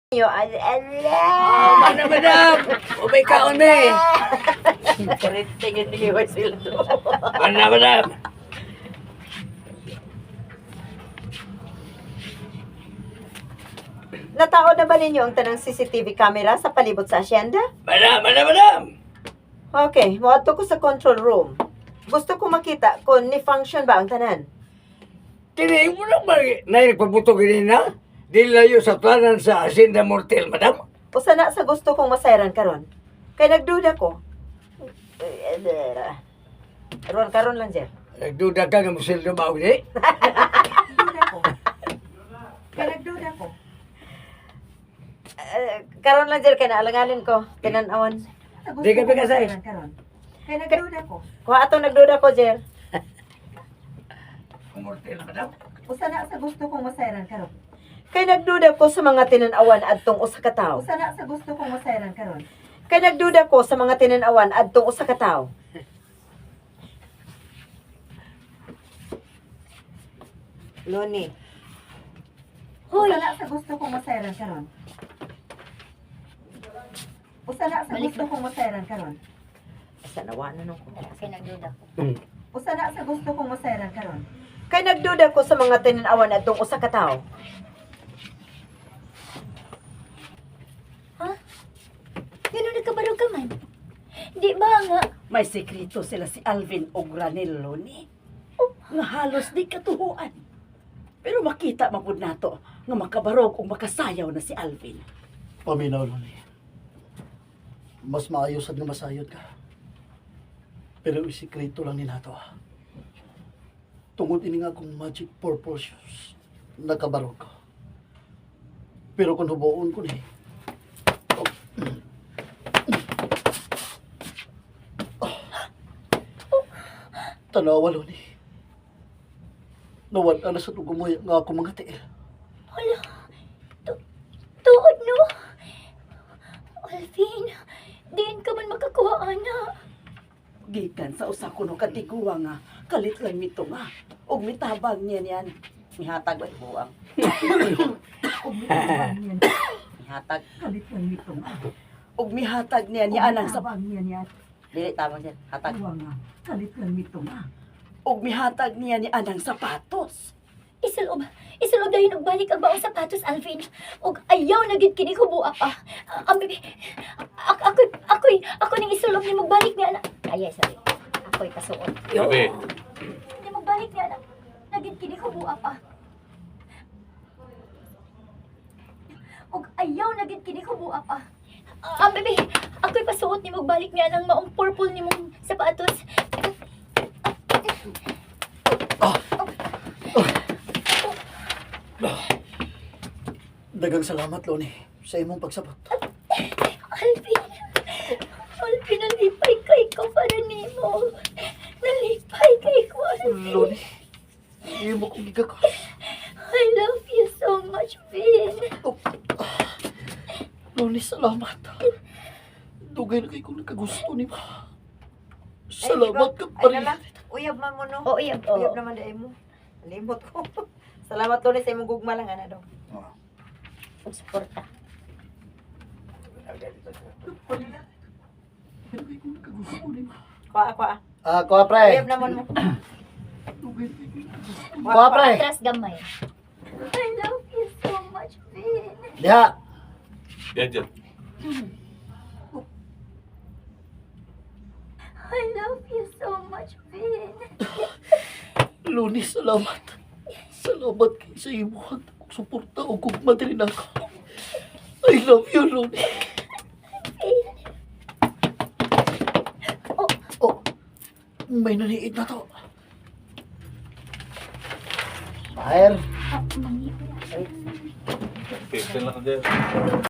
Mana madam, ubay kaon eh. Tingin niyo sila doon. Mana madam. Natao na ba ninyo ang tanang CCTV camera sa palibot sa asyenda? Madam. Okay, muadto ko sa control room. Gusto ko makita kung ni-function ba ang tanan. Kini mo lang ba na nagpabuto gini na? Di layo sa planan sa Hacienda Mortel, madam. O sana sa gusto kong masayran karon. Kay nagduda ko. Karon lang, Jer. Nagduda ka nga musildo ba uli? Nagduda ko. Kay nagduda ko. Karon lang, Jer, kay naalanganin ko. Tinanawan. Di ka pikasay. Kay nagduda ko. Kung atong nagduda ko, Jer. Mortel, madam. O sana sa gusto kong masayran karon. Kay nagduda ko sa mga tinanawan adtong usa ka tawo. Usa na sa gusto kong masayran karon. Kay nagduda ko sa mga tinanawan adtong usa ka tawo. Loni. Hoy, usa na sa gusto kong masayran karon. Usa na sa gusto kong masayran karon. Asa nawa na nung ko. Kay nagduda ko. Usa na sa gusto kong masayran karon. Kay nagduda ko sa mga tinanawan adtong usa ka tawo. Ganun nagkabarog ka man. Di ba nga? May sekreto sila si Alvin o Granello ni. Nga halos di katuhuan. Pero makita mapud nato nga makabarog o makasayaw na si Alvin. Paminaw lang eh. Mas maayos at nga masayod ka. Pero isikreto lang ni nato. Tungod ini nga kung magic purple shoes, nakabarog ko. Pero kung hubuon ko ni, tanawa lo ni. Nawala na sa tugumoy nga ako mga tiil. Hala. Tuod no. Alvin, diin ka man makakuha, ana. Gikan sa usa ko no katiguwa nga kalit lang mito nga. Og mitabang niya niyan. Mihatag ba buwang. Og mitabang niya. Hatag Kalit lang mito nga. Og mihatag niya ni anang sa niya niya. Dili tamang Jer. Hatag. nga. Kalit lang mito nga. Og mihatag niya ni anang sapatos. Isulob dahil nagbalik ang baong sapatos, Alvin. Og ayaw na gid kini kubuak pa. Ako ning isulob ni magbalik ni ana. Ay, sorry. Ako'y kasuot. Grabe. Ni magbalik ni ana. Nagid kini kubuak pa. Og ayaw na gid kini kubuak pa. Bebe, ako'y pasuot ni magbalik ni anang maong purple ni mong sapatos. Dagang salamat, Loni, sa imong pagsabot. Alvin, nalipay kay ko para nimo. Nalipay kay ko. Loni, hindi mo kong gigakos. I love you so much, Vin. Loni, salamat. Dugay na kayo kung nagkagusto ni ma. Salamat ka pa rin. Uyab man mo no. Oo, uyab. Uyab naman dai mo. Limot ko. Salamat Loni sa imong gugma lang ana daw. Pagsuporta. Pero kayo kung nagkagusto ni ma. Kuha. Kuha, pre. Uyab naman mo. Dugay na kayo kung nagkagusto. Kuha, pre. Atras gamay. I love you so much, Vin. Diha. Yan. I love you so much, Vin. Loni, salamat. Salamat kayo sa imo at suporta o kung madaling ako. I love you, Loni. Oh, may naniid na to. Fire. Mangi. Pixel lang din.